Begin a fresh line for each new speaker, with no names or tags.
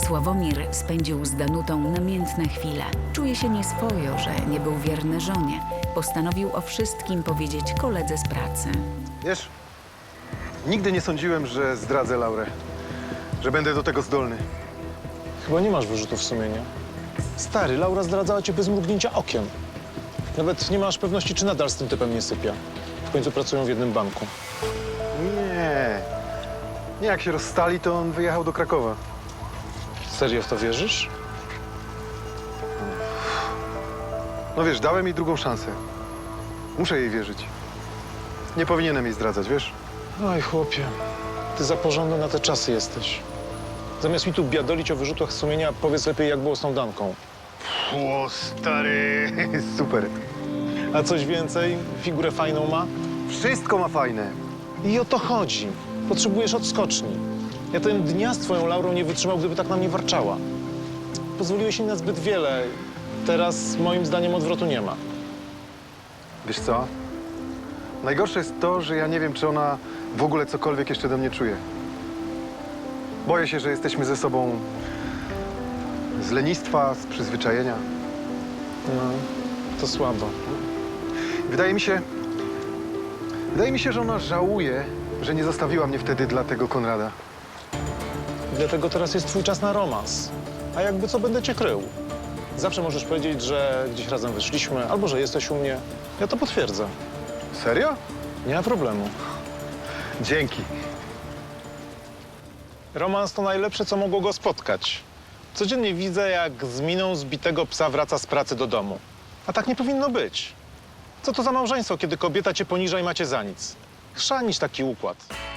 Sławomir spędził z Danutą namiętne chwile. Czuje się nieswojo, że nie był wierny żonie. Postanowił o wszystkim powiedzieć koledze z pracy.
Wiesz, nigdy nie sądziłem, że zdradzę Laurę, że będę do tego zdolny.
Chyba nie masz wyrzutów sumienia. Stary, Laura zdradzała cię bez mrugnięcia okiem. Nawet nie masz pewności, czy nadal z tym typem nie sypia. W końcu pracują w jednym banku.
Nie. Nie, jak się rozstali, to on wyjechał do Krakowa.
Serio w to wierzysz?
No wiesz, dałem jej drugą szansę. Muszę jej wierzyć. Nie powinienem jej zdradzać, wiesz?
Oj, chłopie, ty za porządny na te czasy jesteś. Zamiast mi tu biadolić o wyrzutach sumienia, powiedz lepiej, jak było z tą Danką.
O, stary, super.
A coś więcej? Figurę fajną ma?
Wszystko ma fajne.
I o to chodzi. Potrzebujesz odskoczni. Ja ten dnia z twoją Laurą nie wytrzymał, gdyby tak na mnie warczała. Pozwoliłeś jej na zbyt wiele. Teraz, moim zdaniem, odwrotu nie ma.
Wiesz co? Najgorsze jest to, że ja nie wiem, czy ona w ogóle cokolwiek jeszcze do mnie czuje. Boję się, że jesteśmy ze sobą z lenistwa, z przyzwyczajenia.
No, to słabo.
Wydaje mi się, że ona żałuje, że nie zostawiła mnie wtedy dla tego Konrada.
Dlatego teraz jest twój czas na romans. A jakby co, będę cię krył. Zawsze możesz powiedzieć, że gdzieś razem wyszliśmy, albo że jesteś u mnie. Ja to potwierdzę.
Serio?
Nie ma problemu.
Dzięki.
Romans to najlepsze, co mogło go spotkać. Codziennie widzę, jak z miną zbitego psa wraca z pracy do domu. A tak nie powinno być. Co to za małżeństwo, kiedy kobieta cię poniża i macie za nic? Chrzanić taki układ.